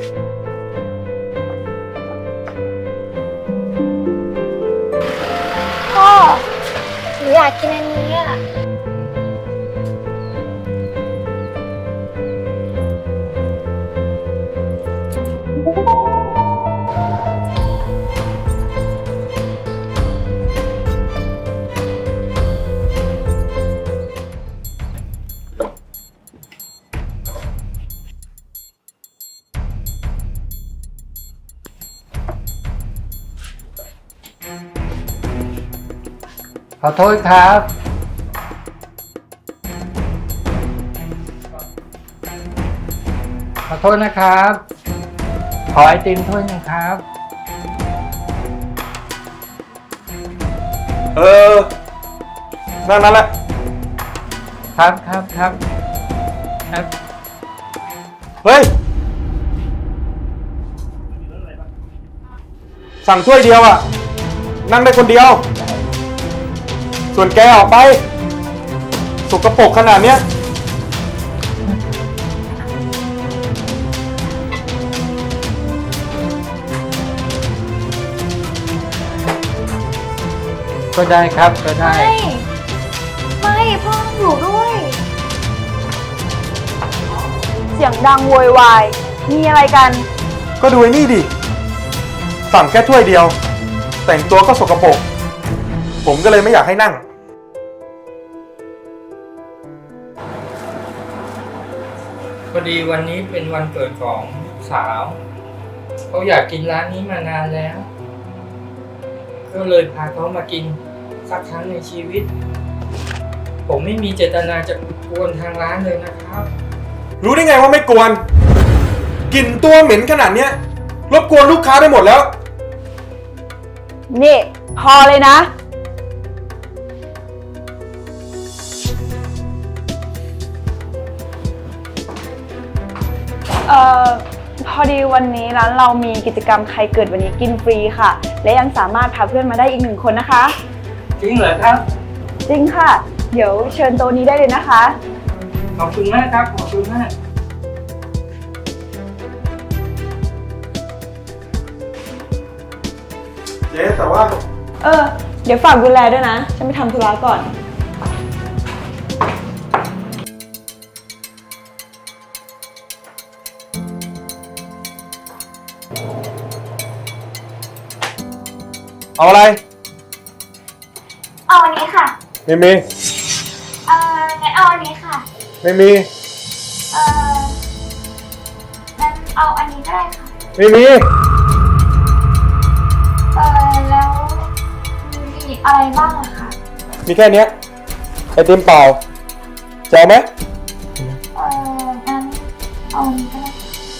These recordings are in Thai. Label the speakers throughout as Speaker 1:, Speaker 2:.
Speaker 1: พ่อหนูอยากกินอันนี้อ่ะ
Speaker 2: ขอโทษครับ ขอโทษนะครับ ขอไอติมถ้วยหนึงครับ
Speaker 3: นั่นแหละ
Speaker 2: ครับครับ
Speaker 3: เฮ้ย สั่งถ้วยเดียวอ่ะ นั่งได้คนเดียว ส่วนแกออกไป สกปรกขนาดเนี้ย
Speaker 2: ก็ได้ครับก็ได้
Speaker 1: ไม่พ่อต้องอยู่ด้วย
Speaker 4: เสียงดังโวยวายมีอะไรกัน
Speaker 3: ก็ดูไอ้นี่ดิ สั่งแค่ถ้วยเดียว แต่งตัวก็สกปรก ผมก็เลยไม่อยากให้นั่ง
Speaker 2: พอดีวันนี้เป็นวันเกิดของสาวเขาอยากกินร้านนี้มานานแล้ว ก็เลยพาเขามากินสักครั้งในชีวิต ผมไม่มีเจตนาจะกวนทางร้านเลยนะครับ
Speaker 3: รู้ได้ไงว่าไม่กวน กลิ่นตัวเหม็นขนาดเนี้ย รบกวนลูกค้าได้หมดแล้ว
Speaker 4: นี่ พอเลยนะ พอดีวันนี้ร้านเรามีกิจกรรมใครเกิดวันนี้กินฟรีค่ะ และยังสามารถพาเพื่อนมาได้อีก1 คนนะคะ
Speaker 2: จริงเหรอครับ
Speaker 4: จริงค่ะ เดี๋ยวเชิญโต๊ะนี้ได้เลยนะคะ
Speaker 2: ขอบคุณมากครับขอบคุณมาก
Speaker 3: เจ๊แต่ว่า
Speaker 4: เดี๋ยวฝากดูแลด้วยนะ ฉันไปทำธุระก่อน
Speaker 3: เอาอะไร
Speaker 1: เอาอันนี้ค่ะ
Speaker 3: ไม่มี
Speaker 1: งั้นเอาอันนี้ค่ะ
Speaker 3: ไม่มี
Speaker 1: งั้นเอาอันนี้ก็ได้ค่ะ
Speaker 3: ไม่มี
Speaker 1: แล้วมีอะไรบ้างอะคะ
Speaker 3: มีแค่เนี้ยไอติมเปล่าจะเอาไหม
Speaker 1: งั้นเอาอันนี้ก็ได้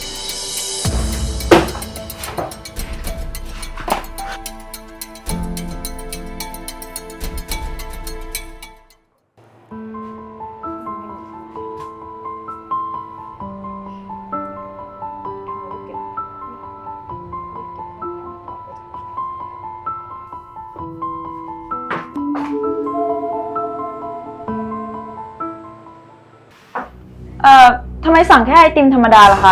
Speaker 4: ทำไมสั่งแค่ไอติมธรรมดาล่ะคะ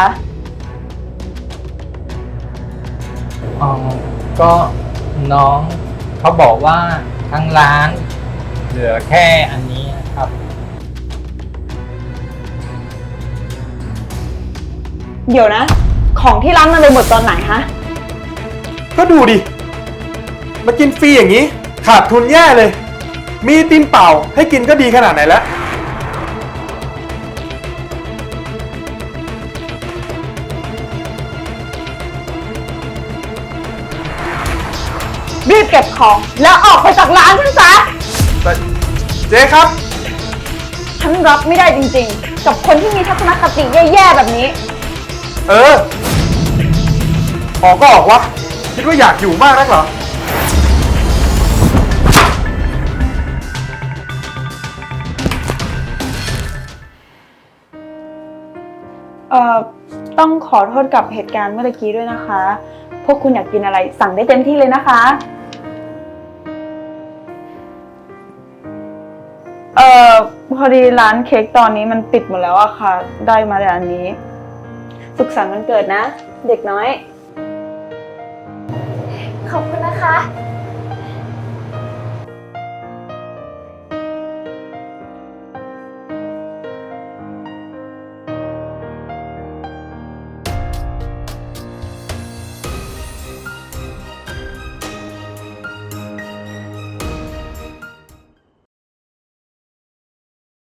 Speaker 2: อ๋อ ก็น้องเขาบอกว่าทั้งร้านเหลือแค่อันนี้ครับ
Speaker 4: เดี๋ยวนะ ของที่ร้านมันเลยหมดตอนไหนฮะ
Speaker 3: ก็ดูดิ มากินฟรีอย่างนี้ ขาดทุนแย่เลย มีไอติมเปล่าให้กินก็ดีขนาดไหนแล้ว
Speaker 4: รีบเก็บของแล้วออกไปจากร้านฉันซะ
Speaker 3: แต่เจ๊ครับ
Speaker 4: ฉันรับไม่ได้จริงๆ กับคนที่มีทัศนคติแย่ๆแบบนี้
Speaker 3: ออกก็ออกวะ คิดว่าอยากอยู่มากนักเหรอ
Speaker 4: ต้องขอโทษกับเหตุการณ์เมื่อกี้ด้วยนะคะ พวกคุณอยากกินอะไรสั่งได้เต็มที่เลยนะคะ พอดีร้านเค้กตอนนี้มันปิดหมดแล้วอะค่ะ ได้มาแต่อันนี้สุขสันต์วันเกิดนะ เด็กน้อย
Speaker 1: ขอบคุณนะคะ